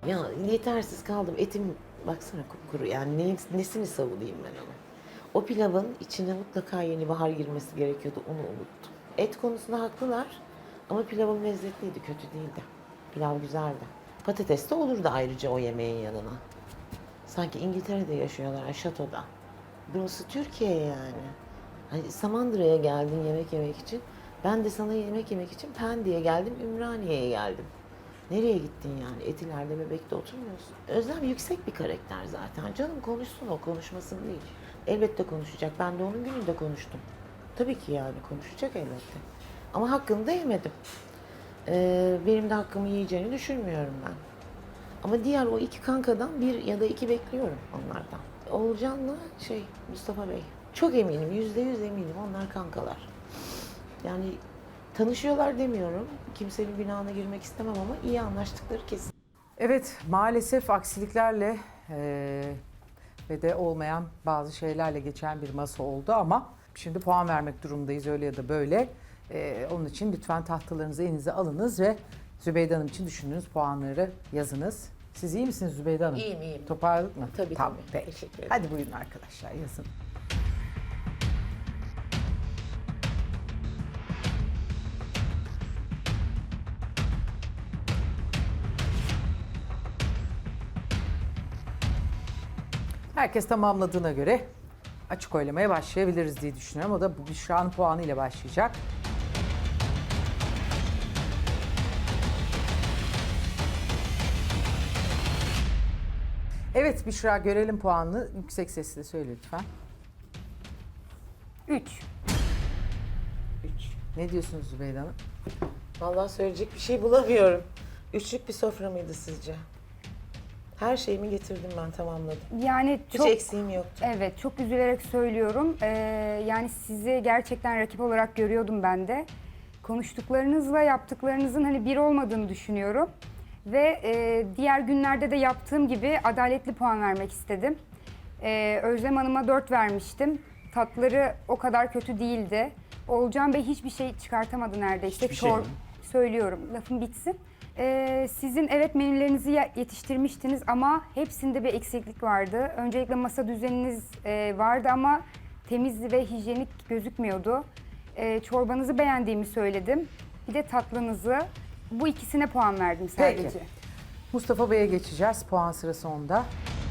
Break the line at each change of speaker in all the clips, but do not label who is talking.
Ya yetersiz kaldım. Etim baksana kupkuru. Yani nesini savunayım ben onu. O pilavın içine mutlaka yeni bahar girmesi gerekiyordu. Onu unuttum. Et konusunda haklılar. Ama pilavım lezzetliydi, kötü değildi. Pilav güzeldi. Patates de olurdu ayrıca o yemeğin yanına. Sanki İngiltere'de yaşıyorlar, şatoda. Burası Türkiye yani. Hani Samandıra'ya geldin yemek yemek için. Ben de sana yemek yemek için Pendik'e geldim, Ümraniye'ye geldim. Nereye gittin yani? Etiler'de, Bebek'te oturmuyorsun. Özlem yüksek bir karakter zaten. Canım konuşsun, o konuşmasın değil. Elbette konuşacak. Ben de onun gününde konuştum. Tabii ki yani konuşacak elbette. Ama hakkını da yemedim. Benim de hakkımı yiyeceğini düşünmüyorum ben. Ama diğer o iki kankadan bir ya da iki bekliyorum onlardan. Oğulcan'la Mustafa Bey. Çok eminim, %100 eminim onlar kankalar. Yani tanışıyorlar demiyorum. Kimsenin günahına girmek istemem ama iyi anlaştıkları kesin.
Evet, maalesef aksiliklerle ve de olmayan bazı şeylerle geçen bir masa oldu ama şimdi puan vermek durumundayız öyle ya da böyle. Onun için lütfen tahtalarınızı elinize alınız ve Zübeyde Hanım için düşündüğünüz puanları yazınız. Siz iyi misiniz Zübeyde Hanım?
İyiyim, iyiyim.
Toparladık mı?
Tabii,
tamam,
tabii.
Peki.
Teşekkür ederim.
Hadi buyurun arkadaşlar yazın. Herkes tamamladığına göre açık oylamaya başlayabiliriz diye düşünüyorum. O da bu Büşra'nın puanı ile başlayacak. Evet Büşra görelim puanını. Yüksek sesle söyle lütfen.
3.
3.
Ne diyorsunuz Zübeyde Hanım?
Vallahi söyleyecek bir şey bulamıyorum. Üçlük bir sofra mıydı sizce? Her şeyimi getirdim ben, tamamladım.
Yani
Hiç
çok
eksiğim yoktu.
evet, çok üzülerek söylüyorum. Yani sizi gerçekten rakip olarak görüyordum ben de. Konuştuklarınızla yaptıklarınızın hani bir olmadığını düşünüyorum. Ve diğer günlerde de yaptığım gibi adaletli puan vermek istedim. Özlem Hanım'a 4 vermiştim. Tatları o kadar kötü değildi. Oğulcan Bey hiçbir şey çıkartamadı neredeyse.
Hiçbir şey mi?
Söylüyorum, lafım bitsin. Sizin evet menülerinizi yetiştirmiştiniz ama hepsinde bir eksiklik vardı. Öncelikle masa düzeniniz vardı ama temiz ve hijyenik gözükmüyordu. Çorbanızı beğendiğimi söyledim. Bir de tatlınızı. Bu ikisine puan verdim sadece.
Peki. Mustafa Bey'e geçeceğiz. Puan sırası onda.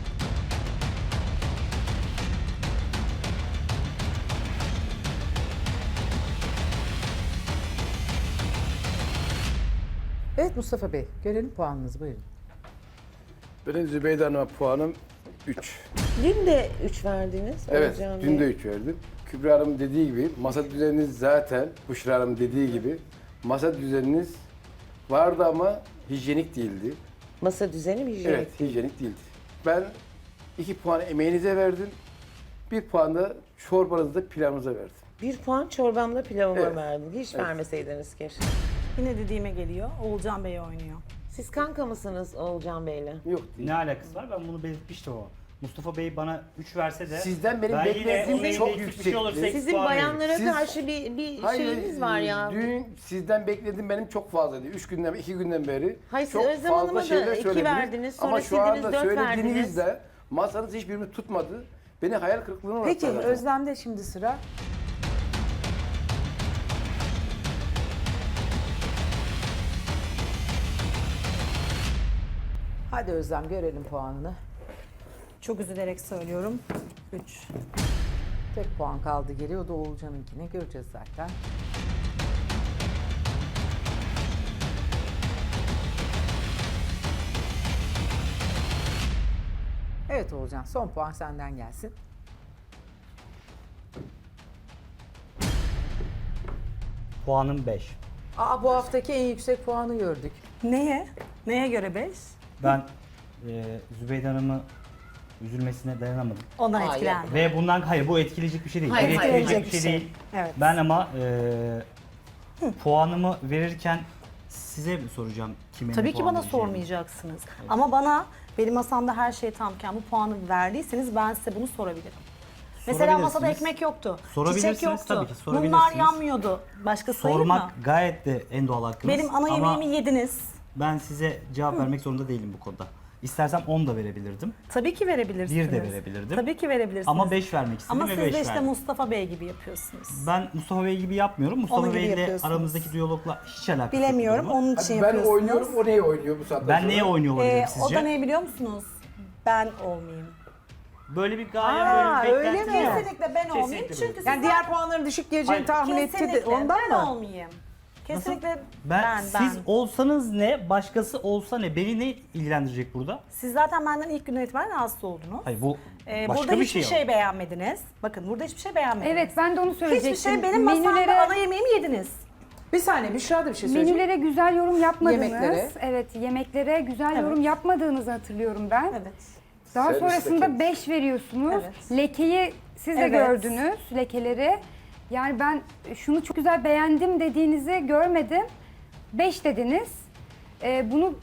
Evet Mustafa Bey, görelim puanınızı buyurun.
Benim Zübeyde Hanım'a puanım 3.
Dün de 3 verdiniz.
Evet,
Oğulcan
dün
Bey.
de 3 verdim. Kübra Hanım dediği gibi, masa düzeniniz zaten, Büşra Hanım dediği gibi, masa düzeniniz vardı ama hijyenik değildi.
Masa düzeni mi hijyenik?
Evet, hijyenik değildi. Ben 2 puan emeğinize verdim, 1 puan da çorbanızda pilavınıza verdim.
1 puan çorbamla pilavıma
Evet.
verdim. Hiç
Evet.
vermeseydiniz keşke.
Yine dediğime geliyor. Oğulcan Bey oynuyor.
Siz kanka mısınız Oğulcan Bey'le?
Yok değil.
Ne alakası var? Ben bunu belirtmiştim o. Mustafa Bey bana 3 verse de
Sizden benim
ben yine
beklediğim
onun
çok
eksik bir
yüksek.
şey olursa eksi
Sizin
puan veririm.
bayanlara
Siz-
karşı bir şeyiniz var ya.
Dün sizden beklediğim benim çok fazlaydı. 2 günden beri.
Hayır, siz
çok
Özlem
fazla
Hanım'a da
şeyler
2
söylediniz.
verdiniz, sonra
Ama şu
sildiniz,
anda
4
söylediğinizde masanız hiçbirini tutmadı. Beni hayal kırıklığına uğrattı.
Peki Özlem'de şimdi sıra. Hadi Özlem görelim puanını.
Çok üzülerek söylüyorum. 3.
Tek puan kaldı geriye. O da Oğulcan'ınkini göreceğiz zaten. Evet Oğulcan son puan senden gelsin.
Puanım 5.
Aa bu haftaki en yüksek puanı gördük.
Neye? Neye göre 5?
Ben Zübeyde Hanım'ı üzülmesine dayanamadım.
Ondan
Hayır.
etkilendim.
Ve bundan hayır bu etkileyecek bir şey değil.
Hayır,
Bu
hayır,
etkileyecek
hayır.
bir şey değil.
Evet.
Ben ama puanımı verirken size mi soracağım kime
Tabii
ne
ki
puan
bana
vereceğimi?
sormayacaksınız. Ama bana benim masamda her şey tamken bu puanı verdiyseniz ben size bunu sorabilirim. Mesela masada
Sorabilirsiniz.
ekmek yoktu.
Sorabilirsiniz,
Çiçek yoktu.
tabii ki sorabilirsiniz.
Mumlar yanmıyordu. Başka sayılır mı?
Sormak gayet de en doğal hakkınız.
Benim ana
Ama
yemeğimi yediniz.
Ben size cevap vermek zorunda değilim bu konuda. İstersem 10 da verebilirdim.
Tabii ki verebilirsiniz.
1 de verebilirdim.
Tabii ki verebilirsiniz.
Ama 5 vermek istedim
Ama
ve
siz
5
de işte
verdim.
Mustafa Bey gibi yapıyorsunuz.
Ben Mustafa Bey gibi yapmıyorum. Mustafa
Onun gibi
Bey ile
yapıyorsunuz.
aramızdaki diyalogla hiç alakası yok.
Bilemiyorum,
bu durumun.
onun için
Ben
yapıyorsunuz.
oynuyorum, o neye oynuyor bu saatten
Ben
sonra?
neye oynuyor olabilirim
O
sizce?
da ne biliyor musunuz? Ben olmayayım.
Böyle bir gaye,
Aa,
böyle bir
öyle
beklenti
mi?
yok.
Kesinlikle ben olmayayım
Kesinlikle
çünkü
böyle.
Yani
sizden-
diğer puanların düşük geleceğini
Hayır.
tahmin etti de
Kesinlikle
ondan
ben
mı?
olmayayım. Kesinlikle
Siz olsanız ne, başkası olsa ne? Beni ne ilgilendirecek burada?
Siz zaten benden ilk günden itibaren rahatsız oldunuz.
Hayır bu başka
Burada
bir
hiçbir
şey.
şey beğenmediniz. Bakın burada hiçbir şey beğenmediniz.
Evet, ben de onu söyleyecektim.
Hiçbir şey benim masamda ana yemeğimi yediniz.
Bir saniye Büşra da bir şey söyleyecek.
Menülere güzel yorum yapmadınız.
Yemeklere.
Evet, yemeklere güzel
Evet.
yorum yapmadığınızı hatırlıyorum ben.
Evet.
Daha
Servis
sonrasında
lekesi.
5 veriyorsunuz.
Evet.
Lekeyi siz de
Evet.
gördünüz, lekeleri. Yani ben şunu çok güzel beğendim dediğinizi görmedim. 5 dediniz. Bunu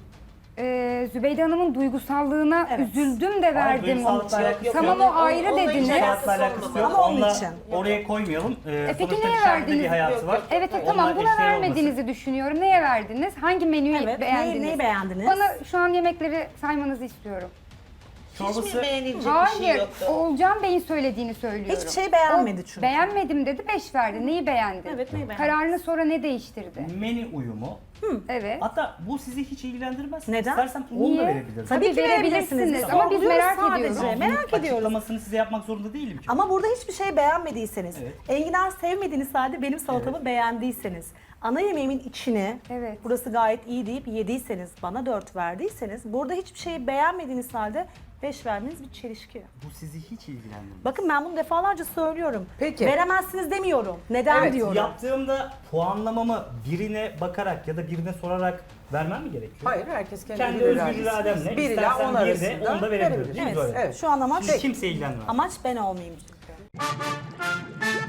Zübeyde Hanım'ın duygusallığına
Evet.
üzüldüm de verdim.
duygusallıkla alakası yok.
Tamam, o ayrı
Onunla hiç
dediniz.
alakası
Hayatla alakası yok.
Ama onun
Onunla
için.
oraya koymayalım.
Peki
Sonuçta
neye
dışarıda bir
verdiniz?
hayatı var.
Evet,
Onunla
tamam, buna
eşdeğer
vermediğinizi düşünüyorum. Neye verdiniz? Hangi menüyü
Evet,
beğendiniz?
neyi beğendiniz?
Bana şu an yemekleri saymanızı istiyorum.
Hiç mi
Çorbası
beğenilecek bir şey
Hayır,
yoktu?
Oğulcan Bey'in söylediğini söylüyorum.
Hiçbir şey beğenmedi çünkü.
Beğenmedim dedi, 5 verdi. Neyi beğendi?
Evet, neyi beğendi?
Kararını sonra ne değiştirdi?
menü uyumu.
Evet.
Hatta bu sizi hiç ilgilendirmez.
Neden?
İstersem 10
Niye?
da verebilirim.
Tabii ki
verebilirsiniz
verebilirsiniz.
ama biz
Sorguluyoruz
merak
sadece.
ediyoruz.
Merak ediyoruz.
Açıklamasını size yapmak zorunda değilim ki.
Ama burada hiçbir şey beğenmediyseniz,
Evet.
enginar sevmediğiniz halde benim salatamı beğendiyseniz, ana yemeğimin içini
Evet.
burası gayet iyi deyip yediyseniz, bana 4 verdiyseniz, burada hiçbir şeyi beğenmediğiniz halde 5 vermeniz bir çelişki.
Bu sizi hiç ilgilendirmez.
Bakın ben bunu defalarca söylüyorum.
Peki.
Veremezsiniz demiyorum. Neden
Evet,
diyorum.
Yaptığımda puanlamamı birine bakarak ya da birine sorarak vermem mi gerekiyor?
Hayır, herkes kendi,
Kendi
bilir
özgür
iradesi.
irademle
1 ila
istersen
10
bir de
arasında
10 da verebilirim.
verebiliriz.
Değil mi?
Evet,
Böyle.
Evet.
şu an amaç,
Hiç kimse ilgilendirmez.
amaç ben olmayayım çünkü.